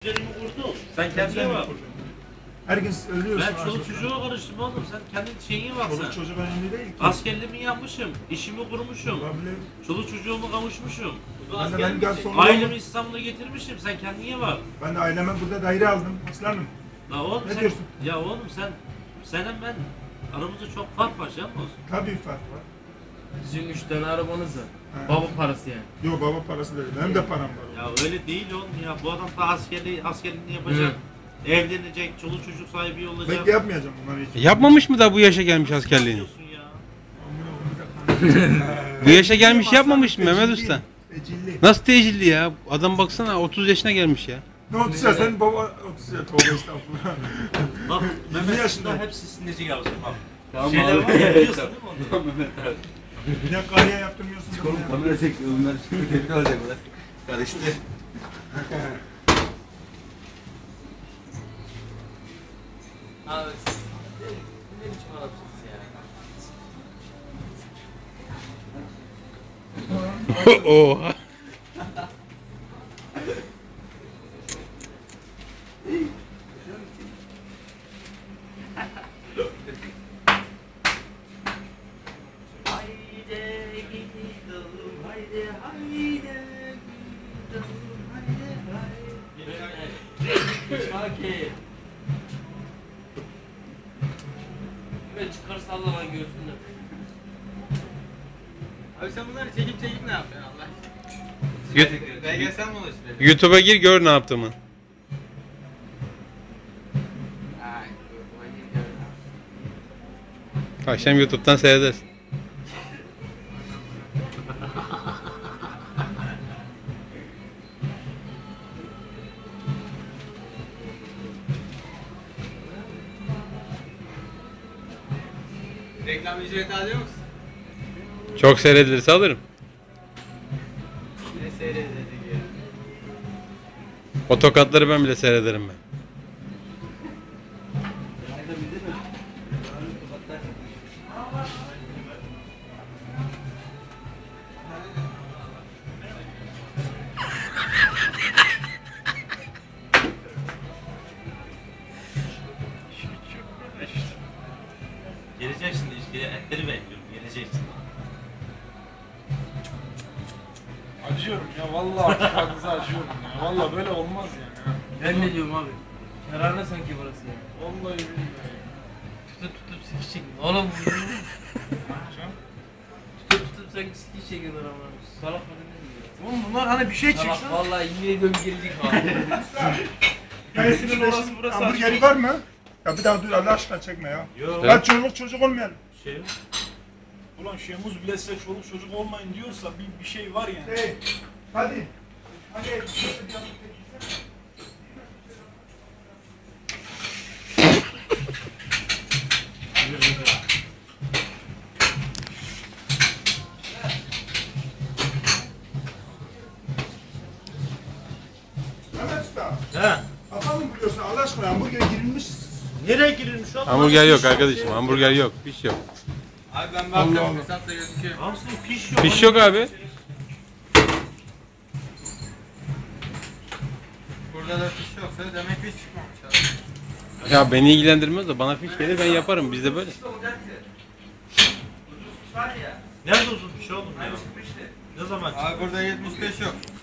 Üzerimi kurdum. Sen kendine bak. Her gün ölüyorsun. Ben çoluk çocuğa karıştım oğlum. Sen kendi şeyine bak sen. Çoluk çocuk önemli değil ki. Askerliğimi yapmışım. İşimi kurmuşum. Olabilir. Çoluk çocuğumu kavuşmuşum. Ben de Ailemi İstanbul'a getirmişim. Sen kendine bak. Ben de aileme burada daire aldım. Aslanım. La oğlum Ne sen, diyorsun? ya oğlum senin ben aramızda çok fark var canım olsun. Tabii fark var. Sizin 3 tane arabanız var. He. Baba parası yani. Yok baba parası değil. Benim de param var. Ya öyle değil oğlum ya. Bu adam da askerliğini yapacak. Evlenecek, çoluk çocuk sahibi olacak. Bekle yapmayacağım bunları hiç. Yapmamış mı da bu yaşa gelmiş askerliğini? Yapıyorsun ya. Bu yaşa gelmiş yapmamış mı Mehmet Usta? Ecilli. Nasıl tecilli ya? Adam baksana 30 yaşına gelmiş ya. Ne 30 ya sen baba 30 ya tövbe estağfurullah. Bak 20 Mehmet yaşında. Usta hepsi sinirci yapsın bak. Tamam Şeyler var ya biliyorsun değil mi onu? Tamam Mehmet abi. Bir de kariye yaptırmıyorsun. Oğlum kamera çekiyor bunlar. Şimdi tepki alacak bunlar. Karıştı. Abi ne biçim adamsınız ya? Oha. Haydi gidelim, haydi gidelim, haydi. Şakir. Böyle çıkar sallama görsünler. Abi sen bunları çekip ne yapıyorsun Allah aşkına? Belgesel mi oluşturuyorsun? YouTube'a gir gör ne yaptığımı. Ay, bu gidiyorum. Akşam YouTube'dan seyredersin. Reklam ücreti alıyor musun? Çok seyredilirse alırım. Ne seyredecek ya? O tokatları ben bile seyrederim ben. Geleceksin işte etleri bekliyorum geleceksin. Acıyorum ya vallahi artık adınıza acıyorum ya. Vallahi böyle olmaz yani. Ben ne diyorum abi? Kararlı sanki burası ya. Vallahi billahi. Tutup sikişecek. Oğlum tutup sanki sikiş çekiyorlar ama. Salak mı ne diyor? Oğlum bunlar hani bir şey Salak çıksın. vallahi yemin ediyorum gelecek abi. Gelsin orası burası. Hamburgeri var mı? Ya bir daha dur Allah aşkına çekme ya. Yok. Ya çoluk çocuk olmayalım. Şey Ulan Şemuz bile size çoluk çocuk olmayın diyorsa bir şey var yani. Hey, hadi. Hadi. Mehmet Usta. He. Adam mı biliyorsun Allah aşkına hamburger girilmiş. Nereye girilmiş oğlum? Hamburger yok arkadaşım. Hamburger yok. Fiş yok. Abi ben Allah baktım Allah. hesapta gözüküyor. Hamsi piş yok. Fiş yok abi. Burada da fiş yoksa demek fiş çıkmamış abi. Ya beni ilgilendirmez de bana fiş gelir ben yaparım. Bizde böyle. Nerede uzun piş oğlum ya? Ne zaman çıktı? Abi burada 75 yok.